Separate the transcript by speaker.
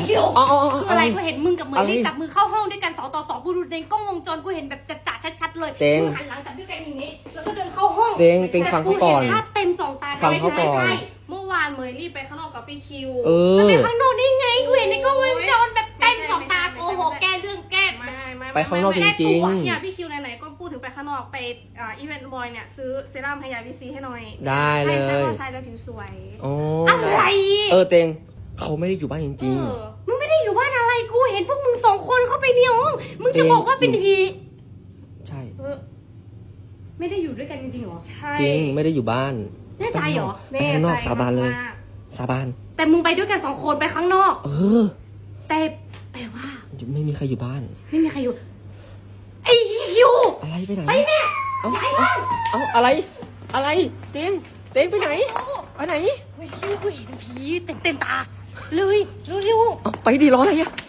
Speaker 1: คิว
Speaker 2: คืออะไร
Speaker 1: กูเห็นมึงกับเหมยลี่จับมือเข้าห้องด้วยกัน2 ต่อ 2กูดูในกล้องวงจรกูเห็นแบบจัดชัดๆเลยมึงหันหลังจับด้วยกันอย่างนี้แล้วก็เดินเข้าห้อง
Speaker 2: เต็งฟังเขาก่อน
Speaker 1: ภาพเต็ม2 ตา
Speaker 2: ฟังเขาก่อน
Speaker 1: ใช่
Speaker 3: เมื่อวานเมยรีบไปข้างนอกกับพี่คิว
Speaker 1: จะไปข้างนอกได้ไงกูเห็นในกล้องวงจรแบบเต็ม2 ตาโอ้โหแก้เรื่องแก้
Speaker 3: ไม่
Speaker 2: ไปข้างนอกจริงๆ
Speaker 3: เนี่ยพี่คิวไหนๆก็พูดถึงไปข้างนอกไปอีเวนต์บอยเนี่ยซื้อเซรั่มให้ยาวิซีให้หน่อย
Speaker 2: ได้เลย
Speaker 3: ใช่ใช่แล้วผิวสวย
Speaker 2: โอ้
Speaker 1: อะไร
Speaker 2: เต็งเขาไม่ได้อยู่บ้านจริง
Speaker 1: มึงไม่ได้อยู่บ้านอะไรกูเห็นพวกมึง2 คนเข้าไปในห้องมึงจะบอกว่าเป็นผี
Speaker 2: ๆ ใช่
Speaker 1: ไม่ได้อยู่ด้วยกันจริงๆหรอ
Speaker 3: ใช่
Speaker 2: จริงไม่ได้อยู่บ้าน
Speaker 1: แน่ใจเหรอ
Speaker 2: ไปข้างนอกสาบานเลย สาบาน
Speaker 1: แต่มึงไปด้วยกัน2 คนไปข้างนอก แต่แปลว่า
Speaker 2: ไม่มีใครอยู่บ้าน
Speaker 1: ไม่มีใครอยู่ไอ้คิว
Speaker 2: อะไรไปไหน
Speaker 1: ไปแม่
Speaker 2: เอา
Speaker 1: ย้ายบ้าน
Speaker 2: เอาอะไรเต็งไปไหนไปไหน
Speaker 1: ไอ้คิวกูเห็นผีเต็มตาเลยเร็ว
Speaker 2: เอาไปดิรออะไรอะ